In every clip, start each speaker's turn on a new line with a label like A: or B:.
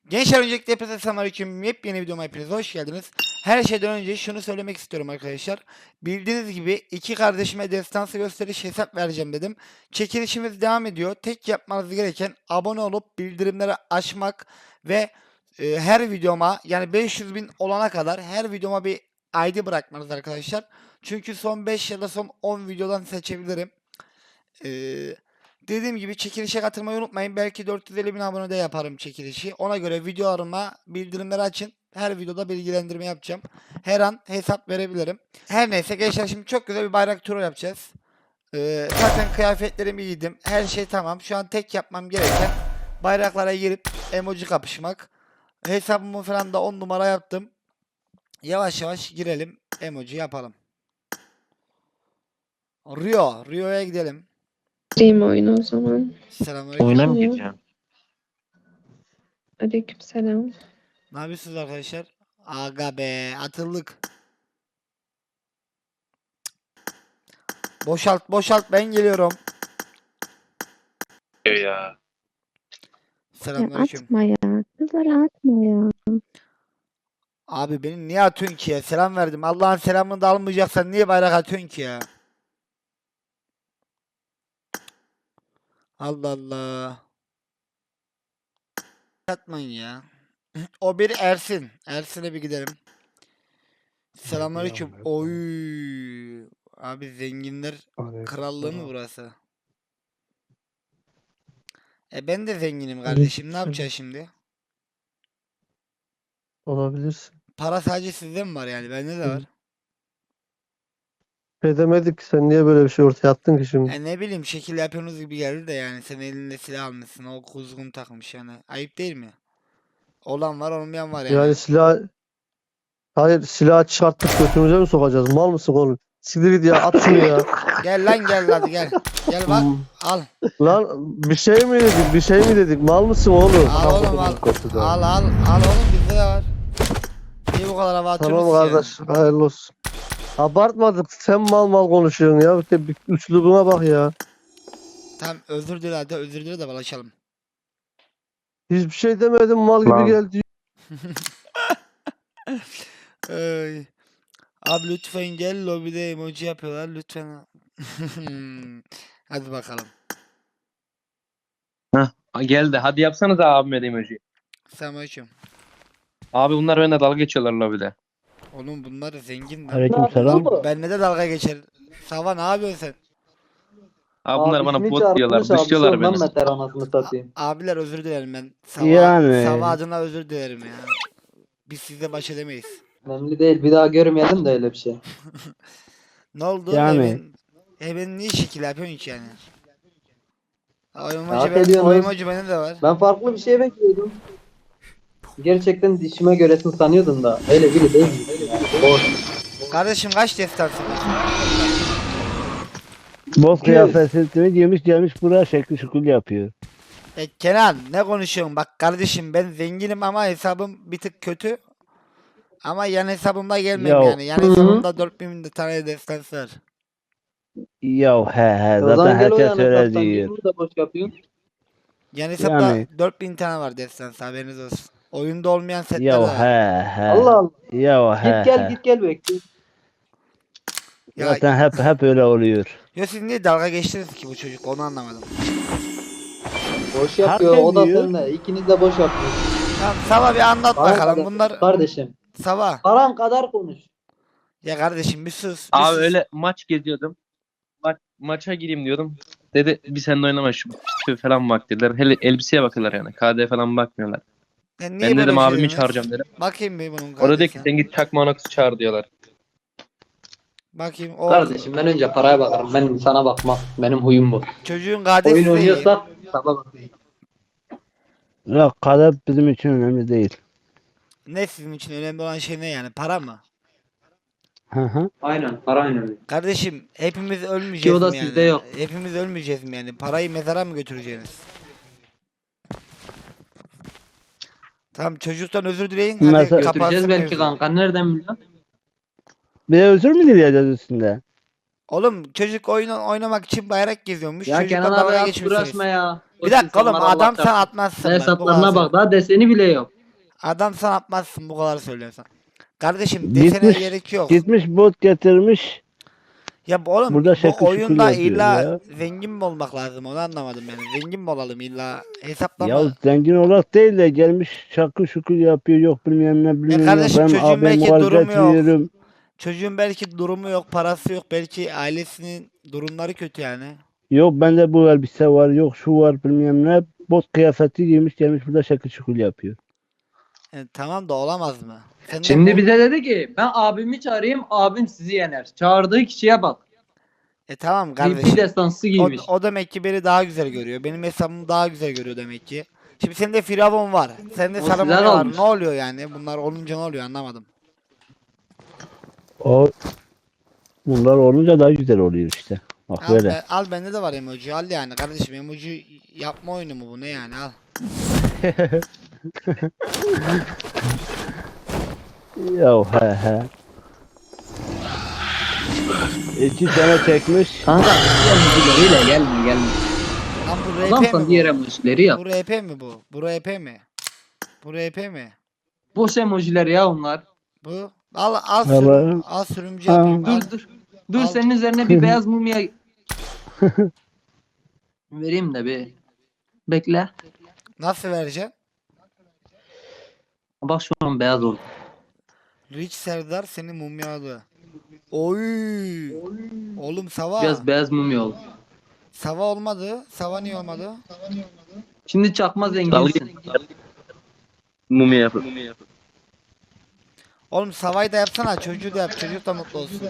A: Gençler öncelikle hepinize selamünaleyküm. Yepyeni videoma hepiniz hoş geldiniz. Her şeyden önce şunu söylemek istiyorum arkadaşlar. Bildiğiniz gibi iki kardeşime destansı gösteriş hesap vereceğim dedim. Çekilişimiz devam ediyor. Tek yapmanız gereken abone olup bildirimleri açmak ve her videoma yani 500.000 olana kadar her videoma bir ID bırakmanız arkadaşlar. Çünkü son 5 ya da son 10 videodan seçebilirim. Dediğim gibi çekilişe katılmayı unutmayın. Belki 450.000 abonede yaparım çekilişi. Ona göre videolarıma bildirimleri açın. Her videoda bilgilendirme yapacağım. Her an hesap verebilirim. Her neyse gençler, şimdi çok güzel bir bayrak turu yapacağız. Zaten kıyafetlerimi giydim. Her şey tamam. Şu an tek yapmam gereken bayraklara girip emoji kapışmak. Hesabımı falan da 10 numara yaptım. Yavaş yavaş girelim. Emoji yapalım. Rio'ya gidelim.
B: Gireyim oyuna o zaman.
A: Selamünaleyküm.
C: Oyuna mı
B: Tamam.
C: gireceğim?
B: Aleykümselam.
A: Ne yapıyorsunuz arkadaşlar? Aga be, atıldık. Boşalt, ben geliyorum.
C: Ya.
B: Ya
A: Selamünaleyküm.
B: atma ya. Kızlara atma ya.
A: Abi beni niye atıyorsun ki ya? Selam verdim. Allah'ın selamını da almayacaksan niye bayrak atıyorsun ki ya? Allah Allah. Atmayın ya. O bir Ersin. Ersin'e bir gidelim. Selamünaleyküm. Oy. Abi zenginler krallığı mı burası? Ben de zenginim kardeşim. Ne yapacağız şimdi?
D: Olabilirsin.
A: Para sadece sizde mi var yani? Bende de var.
D: Demedik ki sen niye böyle bir şey ortaya attın ki şimdi?
A: Ne bileyim, şekil yapıyorsunuz gibi geldi de yani sen elinde silah almışsın, o kuzgun takmış yani. Ayıp değil mi? Olan var, olmayan var yani.
D: Yani hayır, silah çıkarttık götümüze mi sokacağız? Mal mısın oğlum? Siktir git ya, at şunu ya.
A: Gel lan, gel hadi gel. Gel bak, al.
D: Lan bir şey mi dedik? Mal mısın oğlum?
A: Al oğlum, al. Al oğlum, bizde de var. Niye bu kadar hava atıyorsunuz
D: Tamam
A: ki
D: kardeş, hayırlı olsun. Abartmadık, sen mal konuşuyorsun ya. İşte bir üslubuna bak ya.
A: Tamam, özür dile hadi, özür dile de balaşalım.
D: Hiçbir şey demedim, mal gibi
C: Lan.
D: geldi.
A: Ay. Abi lütfen gel, lobide emoji yapıyorlar lütfen. Hadi bakalım.
C: Geldi. Hadi yapsanıza abime de emoji.
A: Selamünaleyküm.
C: Abi bunlar benimle dalga geçiyorlar lobide.
A: Oğlum bunlar zengin lan.
D: Aleykümselam.
A: Benle de dalga geçer. Sava, ne yapıyorsun sen?
C: Abi bunlar bana
E: ismi
C: bot diyorlar.
E: çağırmış,
C: Dışlıyorlar
E: abisi ondan
C: beni.
E: beter anasını satayım.
A: Abiler özür dilerim ben.
D: Yani.
A: Sava adına özür dilerim ya. Biz sizle baş edemeyiz.
E: Önemli değil, bir daha görmeyelim de öyle bir şey.
A: Ne oldu?
D: Yani.
A: Hemen niye şekil yapıyorsun ki yani? O
E: Hak
A: emoji, o
E: ediyorsunuz.
A: emoji benim de var.
E: Ben farklı bir şey bekliyordum. Gerçekten dişime göresin sanıyordum da öyle biri değil mi? Boş.
A: Kardeşim kaç destansın?
F: Boz kıyafetini giymiş gelmiş buraya şekli şukul yapıyor.
A: Kenan, ne konuşuyorsun? Bak kardeşim, ben zenginim ama hesabım bir tık kötü. Ama yan hesabımda gelmem
F: Ya.
A: yani. Yan hesabımda 4.000 tane destansı var.
F: Ya he
E: O
F: zaten
E: zaman gel o
F: herkes
E: yana
F: öyle
E: hesaptan, niye
F: diyor.
E: bunu da boş yapıyorsun?
A: Yan hesapta
F: Yani.
A: 4.000 tane var destansı, haberiniz olsun. Oyunda olmayan setler de
F: Ya
A: var.
F: he
E: Allah Allah.
F: Ya he
E: Git gel bekliyorum.
A: Ya,
F: Zaten hep öyle oluyor.
A: ya siz niye dalga geçtiniz ki bu çocuk, onu anlamadım.
E: Boş yapıyor,
F: Herkes
E: o da
F: diyor.
E: seninle. İkiniz de boş yapıyorsunuz.
A: Tamam, Sava bir anlat
E: Bana
A: bakalım
E: kadar-
A: bunlar.
E: Kardeşim.
A: Sava.
E: Paran kadar konuş.
A: Ya kardeşim bir sus. Bir
C: Abi
A: sus.
C: öyle maç geziyordum. Maça gireyim diyordum. Dedi bir seninle oynama şu falan bak dediler. Hele elbiseye bakıyorlar yani. KD falan bakmıyorlar.
A: Ya niye
C: Ben
A: böyle
C: dedim
A: bir şey
C: abimi
A: diyorsunuz?
C: çağıracağım dedim.
A: Bakayım bir bunun
C: O da dedi ki
A: kardeşine.
C: sen git Çakma Anox'u çağır diyorlar.
A: Bakayım o
E: Kardeşim ben önce paraya bakarım. Ben sana bakmam. Benim huyum bu.
A: çocuğun kardeşi
E: Oyun
A: değil.
E: oynuyorsak sana bakayım.
F: Yok kadar bizim için önemli değil.
A: Ne sizin için önemli olan şey ne yani? Para mı?
F: Hı.
E: Aynen, para önemli.
A: Kardeşim hepimiz
E: Ki
A: ölmeyeceğiz
E: o da
A: mi yani?
E: sizde yok.
A: Hepimiz ölmeyeceğiz mi yani? Parayı mezara mı götüreceksiniz? Tamam, çocuktan özür dileyin. Hadi
F: Mesela-
A: kapansın
E: Götüreceğiz belki
A: mevzu.
E: kanka. Nereden biliyorsun?
F: Bir de özür mü dileyeceğiz üstünde?
A: Oğlum çocuk oynamak için bayrak geziyormuş.
E: Ya
A: Çocukla
E: Kenan abi
A: dalga
E: artık
A: geçmişsiniz.
E: uğraşma ya.
A: Bir dakika oğlum,
E: insanlar Allah
A: adam sen
E: çarpsın.
A: atmazsın bak. Bu
E: Hesaplarına
A: kadar
E: bak, daha deseni bile yok.
A: Adam sen atmazsın, bu kadar söylüyorsan. Kardeşim desene
F: Gitmiş,
A: gerek yok.
F: gitmiş bot getirmiş.
A: Ya oğlum
F: Burada
A: bu
F: şekil şukul
A: oyunda
F: yapıyor
A: illa
F: ya.
A: zengin mi olmak lazım, onu anlamadım yani. Zengin mi olalım illa, hesaplama.
F: Ya zengin olarak değil de gelmiş şakır şukul yapıyor. Yok bilmem ne bilmem ne.
A: kardeşim,
F: Ben
A: çocuğun
F: abim
A: belki
F: muhalefet
A: durumu yok.
F: veriyorum.
A: Çocuğun belki durumu yok, parası yok, belki ailesinin durumları kötü yani.
F: Yok bende bu elbise var. Yok şu var bilmem ne. Bot kıyafeti giymiş gelmiş burada şakır şukul yapıyor.
A: Tamam da olamaz mı? Sen de
E: Şimdi
A: bu-
E: bize dedi ki ben abimi çağırayım, abim sizi yener. Çağırdığı kişiye bak.
A: Tamam
E: Bir
A: kardeşim.
E: destansı giymiş.
A: O demek ki beni daha güzel görüyor. Benim hesabımı daha güzel görüyor demek ki. Şimdi sende Firavun var. Sende
E: O
A: Saruman
E: sizden
A: var.
E: olmuş.
A: Ne oluyor yani? Bunlar olunca ne oluyor, anlamadım.
F: Bunlar olunca daha güzel oluyor işte. Bak
A: Al,
F: böyle.
A: al bende de var emoji. Al yani kardeşim, emoji yapma oyunu mu bu, ne yani, al.
F: Ya he. 2 sene çekmiş.
E: Kanka emoji'leriyle gelme.
A: Lan bu RP
E: Adamsan
A: mi
E: diğer
A: bu?
E: emojileri yap.
A: Bu RP mi bu? Bu RP mi? Bu RP mi?
E: Boş emojiler ya onlar.
A: Bu.
F: Vallahi.
A: Al sürümcü
F: Ha.
A: yapayım. Al.
E: Dur
A: Al.
E: senin üzerine bir beyaz mumya vereyim de bir. Bekle.
A: Nasıl vereceğim?
E: Bak şu an beyaz oldu.
A: Rich Serdar seni mumyaladı. Oy. Oğlum Sava.
E: Biraz beyaz mumya oldu.
A: Sava olmadı. Sava niye olmadı?
E: Şimdi çakma zenginsin.
C: Mumya yapıp.
A: Oğlum Sava'yı da yapsana. Çocuğu da yap. Çocuk da mutlu olsun.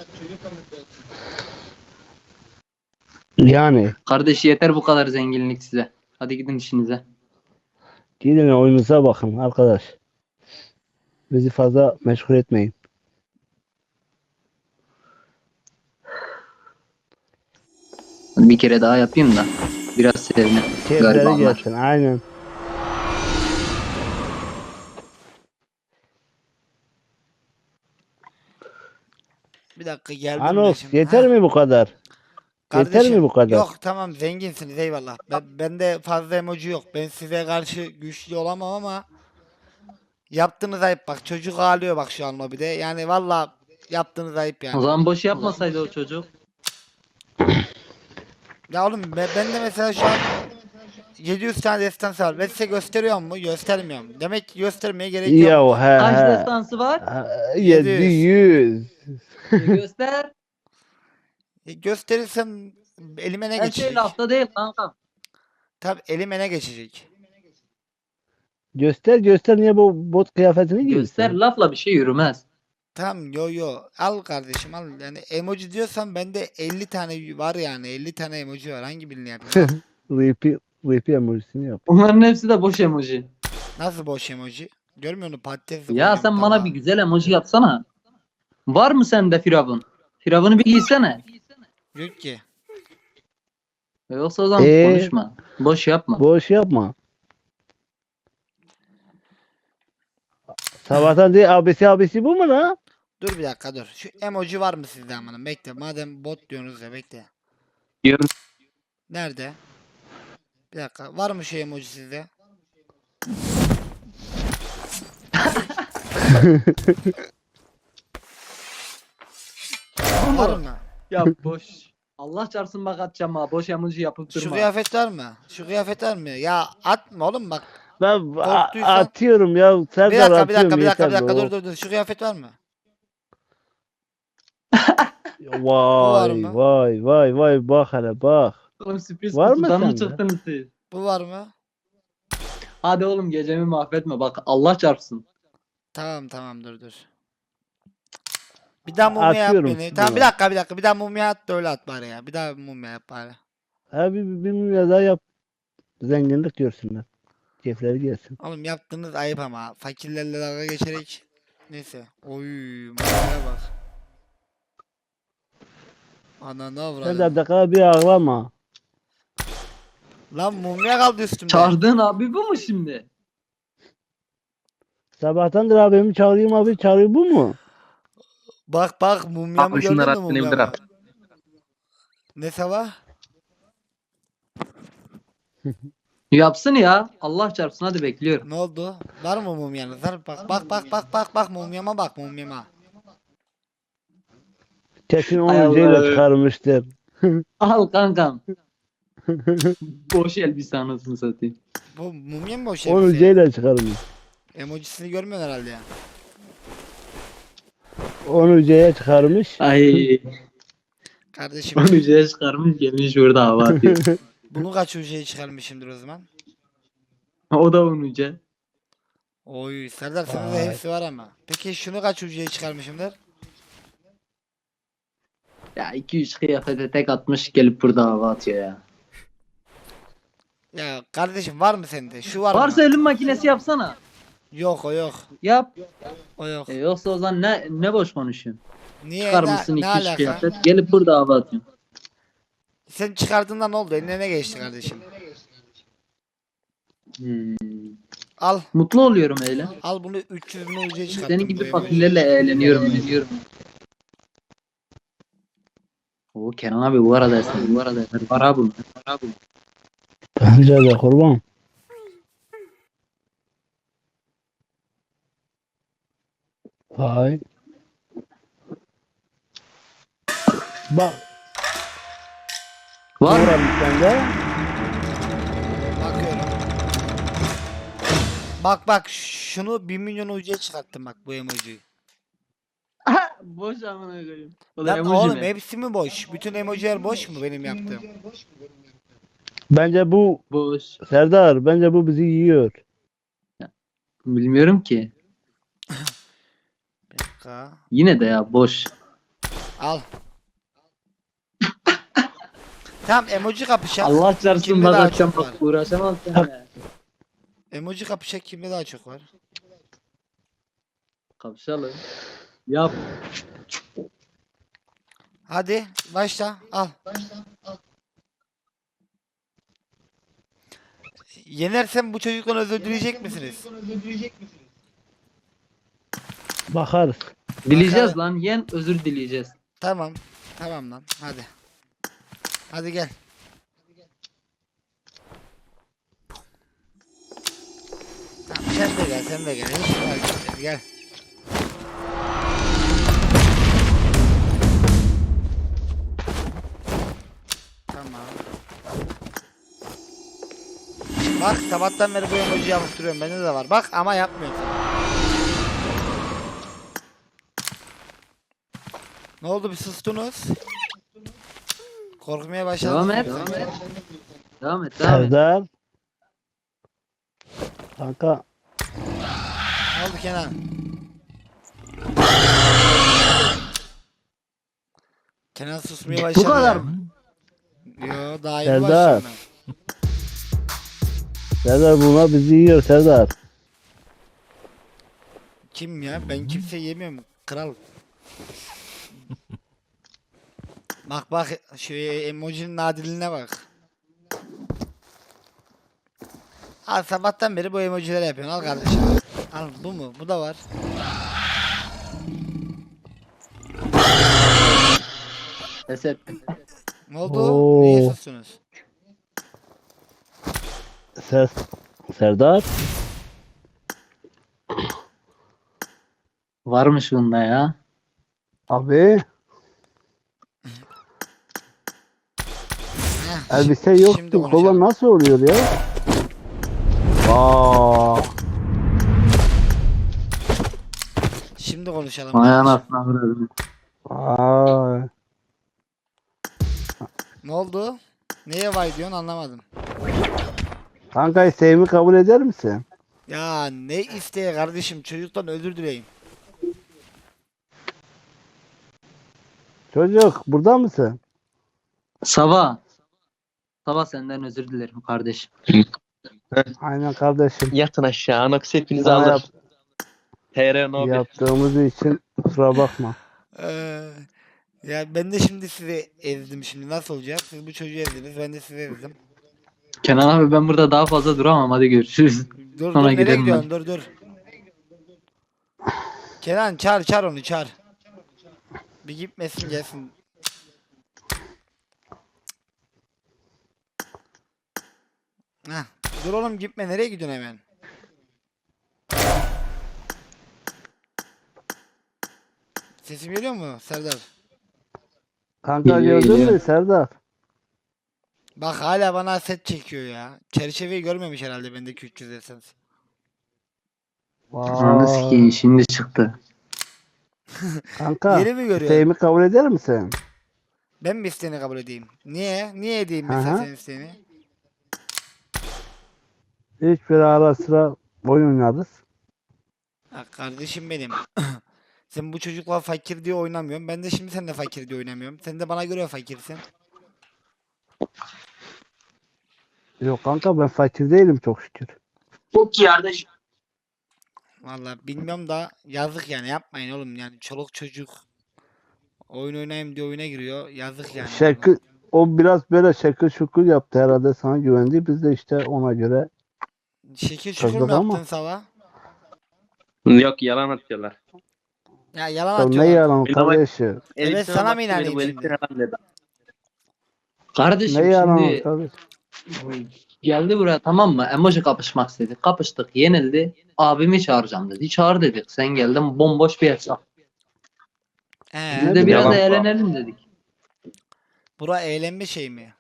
F: Yani.
E: Kardeş yeter bu kadar zenginlik size. Hadi gidin işinize.
F: Gidin oyunuza bakın arkadaş. Bizi fazla meşgul etmeyin.
E: Bir kere daha yapayım da biraz sevinin.
F: Keyifleri
E: Garibanlar.
F: gelsin. Aynen.
A: Bir dakika geldim ben
F: Anos
A: şimdi.
F: yeter
A: Ha,
F: mi bu kadar? Yeter mi bu kadar?
A: Yok tamam, zenginsiniz, eyvallah. Bende fazla emoji yok. Ben size karşı güçlü olamam ama yaptığınız ayıp bak. Çocuk ağlıyor bak şu an lobide. Yani valla yaptığınız ayıp
E: O
A: yani.
E: zaman boş yapmasaydı o çocuk.
A: Ya oğlum ben de mesela şu an 700 tane destansı var. Ben size gösteriyor mu? Göstermiyorum. Demek ki göstermeye gerek yok.
F: Ya
E: Kaç
F: he.
E: destansı var?
F: 700.
E: Göster.
A: Gösterirsem elime ne
E: Her
A: geçecek?
E: şey lafta değil kanka.
A: Tabii elime ne geçecek?
F: Göster niye bu bot kıyafetini giyiyorsun?
E: Göster lafla bir şey yürümez.
A: Tamam, yo. Al kardeşim al. Yani emoji diyorsan bende 50 tane var yani. 50 tane emoji var. Hangi birini yapayım?
F: VP emojisini yap.
E: Bunların hepsi de boş emoji.
A: Nasıl boş emoji? Görmüyor musun? Patates
E: Ya
A: koydum
E: sen bana
A: tabağa.
E: bir güzel emoji yapsana. Var mı sende Firavun? Firavun'u bir giysene.
A: Yok ki.
E: Yoksa o zaman konuşma. Boş yapma.
F: Boş yapma. Sabahtan değil abisi bu mu lan?
A: Dur bir dakika dur. Şu emoji var mı sizde amanın? Bekle. Madem bot diyorsunuz ya, bekle.
C: Diyorum.
A: Nerede? Bir dakika. Var mı şu emoji sizde? Var mı?
E: Ya boş. Allah çarpsın bak atacağım ha. Boş emoji yapıp
A: Şu
E: durma.
A: kıyafet var mı? Şu kıyafet var mı? Ya atma oğlum bak.
F: Ben
A: Korktuysan-
F: atıyorum ya.
A: Bir
F: Serdar
A: dakika bir dakika
F: atıyorum
A: bir dakika bir
F: yeter
A: dakika
F: be.
A: dur. Şu kıyafet var mı?
F: Vay
A: mı?
F: vay bak hele bak.
E: Oğlum sürpriz
F: Var mı
E: kutudan mı
F: sende?
E: çıktınız siz?
A: Bu var mı?
E: Hadi oğlum gecemi mahvetme bak Allah çarpsın.
A: Tamam dur. Bir daha mumya yap
F: Atıyorum
A: beni.
F: şimdi
A: Tamam bir
F: ben.
A: dakika. Bir daha mumya at da öyle at bari ya. Bir daha mumya yap bari.
F: Abi bir milyon daha yap. Zenginlik görsünler. Keyifleri gelsin.
A: Oğlum yaptığınız ayıp ama. Fakirlerle dalga geçerek. Neyse. Oy mumyaya bak. Ananı
F: Sen
A: avradım.
F: de dakika bir ağlama.
A: Lan mumya kaldı üstümde.
E: Çağırdığın abi bu mu şimdi?
F: Sabahtandır abimi çağırayım abi çağırıyor bu mu?
A: Bak mumyamı
C: Abi
A: gördün
C: şunları
A: mü
C: at beni bir
A: mumyamı?
C: at.
A: Ne sabah?
E: Yapsın ya. Allah çarpsın, hadi bekliyorum.
A: Ne oldu? Var mı mumyanız? Var. Bak mumyama bak mumyama.
F: Kesin
E: Ay
F: 10 ucuyla
E: Allah.
F: çıkarmıştır.
E: Al kankam. Boş elbise anasını satayım.
A: Bu mumya mı o
F: 10
A: şey?
F: ucuyla çıkarmış.
A: Emojisini görmüyorsun herhalde ya.
F: 10 ucuya çıkarmış.
E: Ay.
A: Kardeşim
E: Onu yüzeye çıkarmış gelmiş burada hava atıyor.
A: bunu kaç ucuya çıkarmışımdır o zaman?
E: O da onun ucu.
A: Oy Serdar sana da
F: Vay.
A: hepsi var ama. Peki şunu kaç ucuya çıkarmışımdır?
E: Ya 2-3 kıyafete tek atmış gelip burada hava atıyor ya.
A: Ya kardeşim var mı sende? Şu var
E: Varsa
A: mı?
E: ölüm makinesi yapsana.
A: Yok o yok.
E: Yap.
A: O yok.
E: Yoksa o zaman ne boş konuşuyorsun?
A: Niye?
E: Çıkarmışsın
A: Ne
E: 2-3
A: alaka?
E: kıyafet gelip burada hava atıyorsun.
A: Sen çıkardığında ne oldu? Eline ne geçti kardeşim?
E: Hmm.
A: Al.
E: Mutlu oluyorum öyle.
A: Al bunu 300 bin ucuya çıkarttım.
E: Senin
A: bu
E: gibi
A: emoji.
E: fakirlerle eğleniyorum. O Kenan abi bu arada eser. Var abi.
F: Bence de kurban. Vay. Bak.
E: Var mı?
F: Uğramış sende.
A: Bakıyorum. Bak şunu 1 milyon ucuya çıkarttım bak bu emojiyi.
E: Boş amına koyayım. O da
A: Lan
E: emoji
A: oğlum
E: mi?
A: hepsi mi boş? Bütün emojiler boş mu benim yaptığım?
F: Bence bu
E: Boş.
F: Serdar, bence bu bizi yiyor.
E: Bilmiyorum ki.
A: Bir dakika.
E: Yine de ya boş.
A: Al. Tamam emoji kapışak.
E: Allah çarpsın
A: Kimde
E: bak
A: daha
E: akşam
A: çok var?
E: bak uğraşamam seninle.
A: Emoji kapışak kimde daha çok var?
E: Kapışalım. Yap.
A: Hadi başla al. Yenersem bu çocuktan özür dileyecek misiniz?
F: Bakarız.
E: Dileyeceğiz lan. Yen özür dileyeceğiz.
A: Tamam. Tamam lan hadi. Hadi gel. Tamam sen de gel. Hiç fark etmez, gel. Tamam. Bak sabahtan beri bu emoji yapıp duruyorum. Bende de var. Bak ama yapmıyorum. Ne oldu bir sustunuz? Korkmaya başladınız.
E: Devam et.
A: mı?
E: Devam et.
F: Serdar. Kanka.
A: Ne oldu Kenan? Kenan susmaya başladı.
E: Bu kadar
A: ya.
E: mı?
A: Yo daha iyi
F: Serdar.
A: başladım ben.
F: Serdar bunlar bizi yiyor Serdar.
A: Kim ya? Ben kimse yemiyorum. Kral. Bak şu emojinin nadiline bak. Al sabahtan beri bu emojileri yapıyorsun. Al kardeşim. Al bu mu? Bu da var.
E: Eset.
A: Ne oldu?
F: Oo.
A: Niye sustunuz?
F: Serdar.
E: Varmış bunda ya.
F: Abi.
A: Heh,
F: Elbise
A: şimdi
F: yoktu.
A: konuşalım.
F: Kola nasıl oluyor ya? Aa.
A: Şimdi konuşalım.
E: Vay
A: kardeşim.
E: anasını avradım.
F: Aa.
A: Ne oldu? Neye vay diyorsun anlamadım.
F: Kanka isteğimi kabul eder misin?
A: Ya ne isteye kardeşim çocuktan özür dileyin.
F: Çocuk burada mısın?
E: Sabah. Sabah senden özür dilerim kardeşim.
F: Aynen kardeşim.
C: Yatın aşağı. Anox hepinizi
F: Sana
C: alır. TR no 1.
F: yaptığımız için kusura bakma.
A: Ya ben de şimdi sizi ezdim şimdi nasıl olacak? Siz bu çocuğu ezdiniz ben de sizi ezdim.
E: Kenan abi ben burada daha fazla duramam. Hadi görüşürüz.
A: Dur
E: Sonra
A: dur nereye
E: gidelim
A: gidiyorsun dur. Kenan çağır onu çağır. Bir gitmesin gelsin. Heh. Dur oğlum gitme, nereye gidiyorsun hemen? Sesim geliyor mu Serdar?
F: Kanka
E: Geliyor,
F: gördün
E: geliyor.
F: mü Serdar?
A: Bak hala bana set çekiyor ya. Çerçeveyi görmemiş herhalde bendeki 300 esans.
E: Ananı
F: Vay.
E: sikeyim şimdi çıktı.
F: Kanka
A: Yeni mi görüyorsun?
F: isteğimi kabul eder misin?
A: Ben mi isteğini kabul edeyim? Niye? Niye edeyim
F: Hı
A: mesela
F: hı.
A: senin isteğini?
F: Hiç böyle ara sıra oyun oynarız.
A: Ha, kardeşim benim. Sen bu çocukla fakir diye oynamıyorsun. Ben de şimdi seninle fakir diye oynamıyorum. Sen de bana göre fakirsin.
F: Yok kanka ben fakir değilim çok şükür.
A: Vallahi bilmiyorum da yazık yani, yapmayın oğlum yani, çoluk çocuk oyun oynayayım diye oyuna giriyor. Yazık yani.
F: Şekil, o biraz böyle şekil şukul yaptı herhalde sana güvendi. Biz de işte ona göre
A: Şekil şukur mu
F: kızdık ama.
A: yaptın sabah?
C: Yok, yalan atıyorlar.
A: Ya yalan
F: Ya ne
A: atıyorlar.
F: yalan
C: Bir de bak-
F: kardeşim.
C: Elbiseme
A: sana mı
C: baktı,
A: inanayım
C: bu
A: şimdi?
C: elbise yalan dedi.
E: Kardeşim
F: Ne yalan
E: şimdi
F: kardeşim.
E: geldi buraya, tamam mı? Emoji kapışmak istedik. Kapıştık, yenildi. Abimi çağıracağım dedi. Çağır dedik. Sen geldin, bomboş bir hesap. Biz
F: Ne
E: de biraz
C: Yalan.
E: eğlenelim dedik.
A: Bura eğlenme şey mi?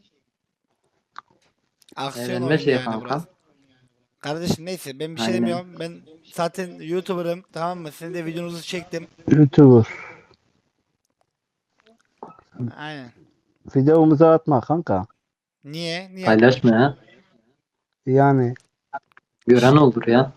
A: Aksiyon
E: Eğlenme
A: oyunu
E: şey
A: yani
E: kanka.
A: burası. Kardeşim neyse, ben bir şey
E: Aynen.
A: demiyorum. Ben zaten YouTuber'ım, tamam mı? Sizin de videonuzu çektim.
F: YouTuber.
A: Aynen.
F: Videomuzu atma kanka.
A: Niye? Niye?
E: Paylaşma ya.
F: Yani
E: Gören olur ya.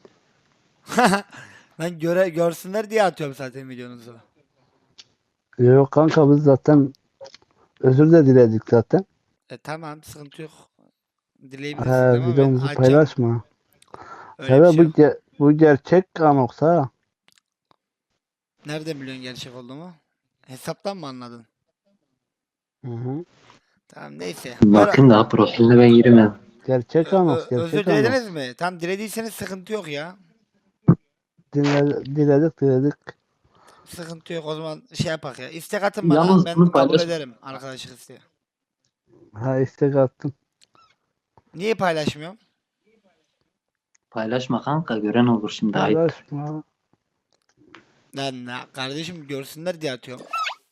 A: Ben görsünler diye atıyorum zaten videonuzu.
F: yok kanka biz zaten özür de diledik zaten.
A: Tamam, sıkıntı yok. Dileyebilirsiniz ama ben
F: Videomuzu
A: açacağım.
F: paylaşma.
A: Öyle bir
F: Serdar
A: şey yok.
F: bu gerçek anoksa ha.
A: Nereden biliyorsun gerçek olduğumu? Hesaptan mı anladın?
F: Hı hı.
A: Tamam neyse.
E: Bakayım daha profiline ben giremedim.
F: Gerçek anons,
A: Özür
F: gerçek anons.
A: dilediniz mi? Tamam, dilediyseniz sıkıntı yok ya.
F: Diledik.
A: Sıkıntı yok, o zaman şey yapak ya. İstek atın bana,
E: Yalnız
A: ben
E: bunu
A: kabul
E: paylaş.
A: ederim arkadaşlık isteği.
F: Ha istek attım.
A: Niye paylaşmıyorum?
E: Paylaşma kanka, gören olur şimdi. Ayıp.
F: Paylaşma.
A: Lan kardeşim, görsünler diye atıyorum.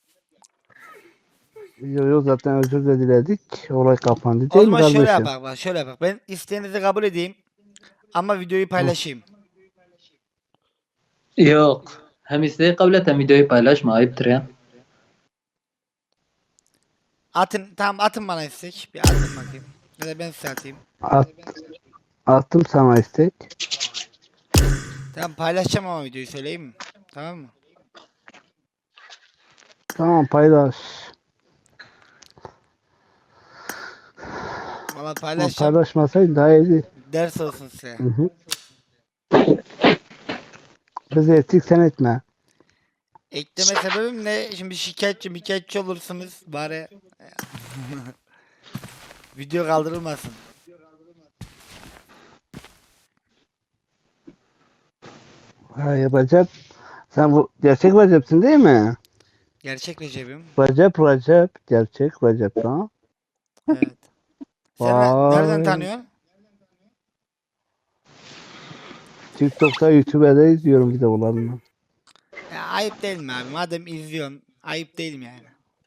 F: Yo zaten özür de diledik. Olay kapandı
A: O
F: değil mi
A: zaman şöyle
F: kardeşim?
A: yapak bak, şöyle yapak. Ben isteğinizi kabul edeyim ama videoyu paylaşayım.
E: Yok. Hem isteği kabul et hem videoyu paylaşma. Ayıptır ya.
A: Atın, tamam atın bana istek. Bir atın bakayım. Ya da ben size atayım.
F: Attım sana istek.
A: Tamam, paylaşacağım ama videoyu söyleyeyim mi? Tamam mı?
F: Tamam paylaş.
A: Valla
F: Ama
A: paylaşacağım.
F: paylaşmasaydın daha iyiydi.
A: Ders olsun size.
F: Hı hı. Bizi ettik sen etme.
A: Ekleme sebebim ne? Şimdi şikayetçi olursunuz. Bari video kaldırılmasın.
F: Hayır Recep. Sen bu gerçek Recep'sin değil mi?
A: Gerçek Recep'im.
F: Recep. Gerçek Recep ha.
A: Evet. Sen nereden
F: Vay.
A: tanıyorsun?
F: TikTok'ta YouTube'da izliyorum videolarını.
A: Ya, ayıp değil mi abi? Madem izliyorsun, ayıp değil mi yani?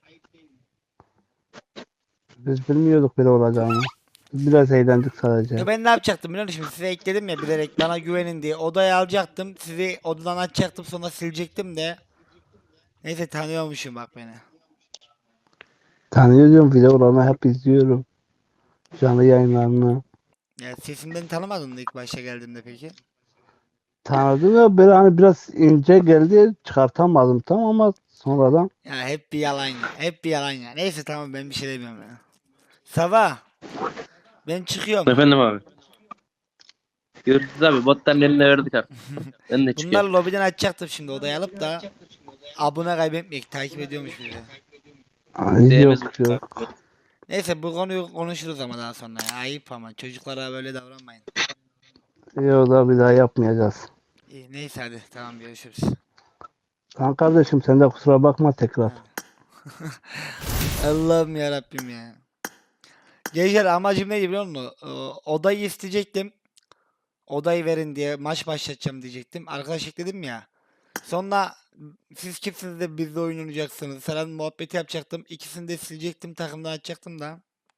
F: Biz bilmiyorduk böyle olacağını. Biz biraz eğlendik sadece.
A: Ya ben ne yapacaktım biliyor musun? Şimdi size ekledim ya bilerek, bana güvenin diye. Odaya alacaktım. Sizi odadan açacaktım, sonra silecektim de. Neyse, tanıyormuşum bak beni.
F: Tanıyorum videolarını hep izliyorum. Canlı yayınlarını.
A: Ya sesimden tanımadın mı ilk başta geldiğinde peki?
F: Tanıdım ya böyle hani biraz ince geldi çıkartamadım tam ama sonradan
A: Ya hep bir yalan ya. Hep bir yalan ya. Neyse tamam, ben bir şey demiyorum ya. Sabah. Ben çıkıyorum.
C: Efendim abi. Görüşürüz abi. Botların eline verdik artık. Ben de
A: Bunlar
C: çıkıyorum.
A: lobiden açacaktım şimdi, odaya alıp da abone kaybetmeyek. Takip ediyormuş bizi.
F: ay,
C: Değmez.
F: yok.
A: Neyse, bu konuyu konuşuruz ama daha sonra ya. Ayıp ama, çocuklara böyle davranmayın.
F: Yok da bir daha yapmayacağız.
A: İyi, neyse hadi tamam, görüşürüz.
F: Tamam kardeşim sen de kusura bakma tekrar.
A: Allah'ım ya Rabbim ya. Gençler amacım neydi biliyor musun? Odayı isteyecektim. Odayı verin diye maç başlatacağım diyecektim. Arkadaş ekledim ya. Sonra siz kimsiniz de bizle oyun oynayacaksınız falan muhabbeti yapacaktım. İkisini de silecektim, takımdan açacaktım da.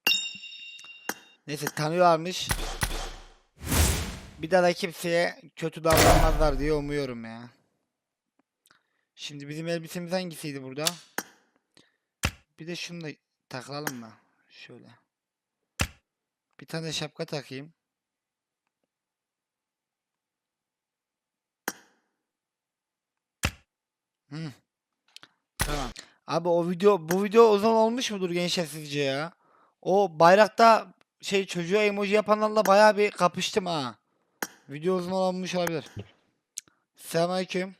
A: Neyse tanıyorlarmış. Bir daha da kimseye kötü davranmazlar diye umuyorum ya. Şimdi bizim elbisemiz hangisiydi burada? Bir de şunu da takalım mı? Şöyle. Bir tane de şapka takayım. Hı. Tamam. Abi bu video uzun olmuş mudur gençler sizce ya? O bayrakta çocuğa emoji yapanlarla bayağı bir kapıştım ha. Video uzun olmuş olabilir. Selamünaleyküm.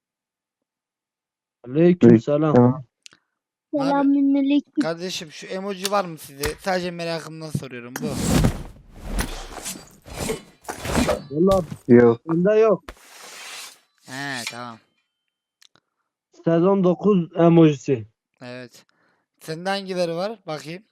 F: Aleykümselam.
D: Tamam.
A: Abi,
B: Selamünaleyküm.
A: kardeşim şu emoji var mı size? Sadece merakımdan soruyorum bu.
F: Valla
D: Yok.
F: bende yok.
A: He tamam.
F: Sezon 9 emojisi.
A: Evet. Sende hangileri var? Bakayım.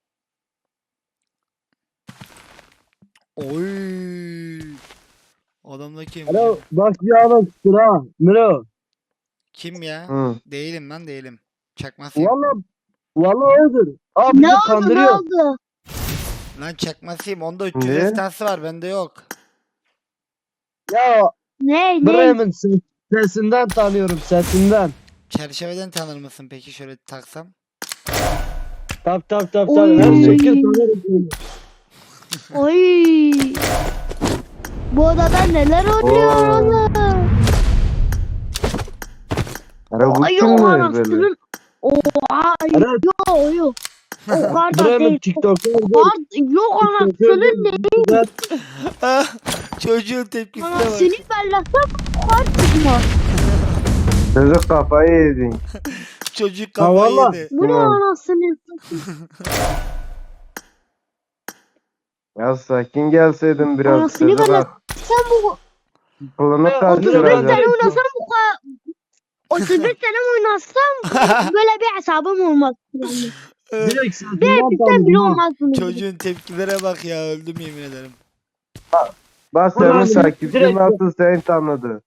A: Oy. Adamdaki emoji.
F: Alo bak bir adam çıktı ha. Miro.
A: Kim ya?
D: Hı.
A: Değilim lan değilim. Çakmasıyım.
F: Valla odur. Abi bizi kandırıyor.
B: oldu?
A: Lan çakmasıyım. Onda 300
D: Ne?
A: destansı var. Bende yok.
F: Ya
B: Ne?
F: Bremen sesinden tanıyorum sesinden.
A: Çerçeveden tanır mısın peki şöyle taksam?
F: Tap.
B: Oy.
F: Her şekil tanırım seni.
B: Oy. Bu odada neler oluyor
D: Oo.
B: oğlum?
D: Ara bu
B: Ay
D: kim
B: yok
D: mi böyle?
B: anasının. Oha
F: Ara
B: yok. O kadar da
F: Bremen
B: değil.
F: TikTok'ta
B: Yok anasının ne?
A: Çocuğun tepkisine bak.
B: Anasını bellasam kar çıkmaz.
D: Çocuk kafayı yedin.
A: Çocuk
F: Ha,
A: kafayı
F: valla.
A: yedi.
B: Bu ne
D: Hı.
B: anasını?
D: Ya sakin gelseydin biraz.
B: Anasını
D: Çocuk
B: böyle- Sen bu
D: aklını
B: 31
D: karıştıracak.
B: sene oynasam bu kadar 31 sene oynasam böyle bir hesabım olmaz. Yani.
F: direkt
B: Bir
F: sesinden
B: bizden bile
F: tanıdım ha.
B: olmaz bunu.
A: Çocuğun tepkilere bak ya öldüm yemin ederim.
D: Bak
F: Ulan
D: senin takipçin
F: direkt-
D: nasıl seni tanıdı.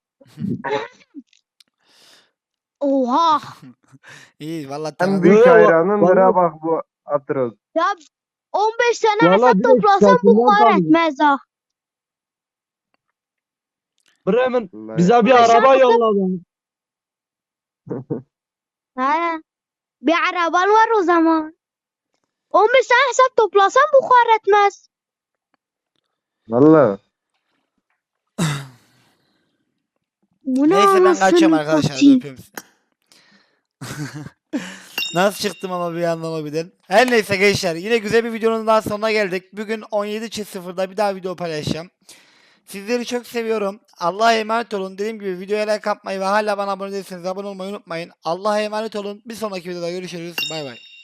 B: Oha.
A: İyi valla
D: En
A: tanıdım.
D: büyük
F: Yo,
D: hayranındır ha
F: vallahi-
D: bak bu Atros.
B: Ya 15 sene
F: Vallahi
B: hesap
F: direkt
B: toplasam bu
F: sesinden
B: kadar
F: tanıdım.
B: etmez ha.
F: Bremen
D: Vallahi.
F: bize bir araba yolladı.
B: He. Bir araban var o zaman. 15 sene hesap toplasam bu kadar etmez.
D: Valla.
B: Bu ne
A: Neyse ben
B: anasını
A: kaçıyorum arkadaşlar. Hadi
B: satayım.
A: öpüyorum sizi. Nasıl çıktım ama bir anlamadım. Her neyse gençler yine güzel bir videonun daha sonuna geldik. Bugün 17.00'da bir daha video paylaşacağım. Sizleri çok seviyorum. Allah'a emanet olun. Dediğim gibi videoya like atmayı ve hala bana abone değilseniz abone olmayı unutmayın. Allah'a emanet olun. Bir sonraki videoda görüşürüz. Bay bay.